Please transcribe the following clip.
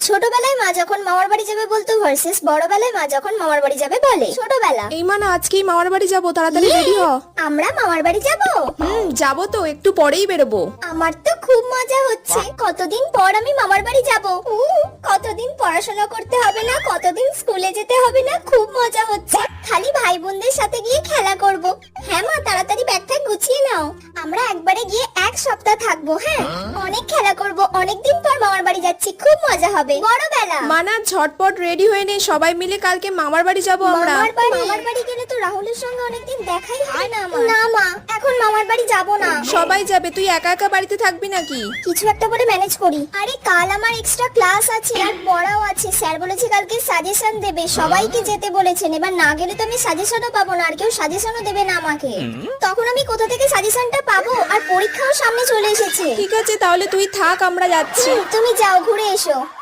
ছোটবেলায় মা যখন মামার বাড়ি যাবে বলতো ভার্সেস বড়বেলায় মা যখন মামার বাড়ি যাবে বলে। ছোটবেলা, এই মানে আজকেই মামার বাড়ি যাবো, তাড়াতাড়ি রেডি হ। আমরা মামার বাড়ি যাব। যাবো তো, একটু পরেই বেরোবো। আমার তো খুব মজা হচ্ছে, কতদিন পর আমি মামার বাড়ি যাব। কতদিন পড়াশোনা করতে হবে না, কতদিন স্কুলে যেতে হবে না, খুব মজা হচ্ছে। খালি ভাই বোনদের সাথে গিয়ে খেলা করব। হ্যাঁ মা, তাড়াতাড়ি ব্যাগটা গুছিয়ে নাও। আমরা একবারে গিয়ে এক সপ্তাহ থাকবো। হ্যাঁ, অনেক খেলা করব, অনেকদিন পর মামার বাড়ি যাচ্ছি, খুব মজা হবে। বড়বেলা, মানা ঝটপট রেডি হয়ে নে, সবাই মিলে কালকে মামার বাড়ি যাবো আমরা। মামার বাড়ি গেলে তো রাহুলের সঙ্গে অনেকদিন দেখাই হয় না আমার। না মা, এখন মামার বাড়ি যাব না। সবাই যাবে, তুই একা একা বাড়িতে থাকবি নাকি? কিছু একটা করে ম্যানেজ করি। আরে কাল আমার এক্সট্রা ক্লাস আছে আর পড়াও আছে। স্যার বলেছে কালকে সাজেশন দেবে, সবাইকে যেতে বলেছেন। এবার না গেলে তো আমি সাজেশনও পাবো না, আর কেউ সাজেশনও দেবে না আমাকে। তখন আমি কোথা থেকে সাজেশনটা পাবো? আর পরীক্ষাও সামনে চলে এসেছে। ঠিক আছে, তাহলে তুই থাক, আমরা যাচ্ছি। তুমি যাও, ঘুরে এসো।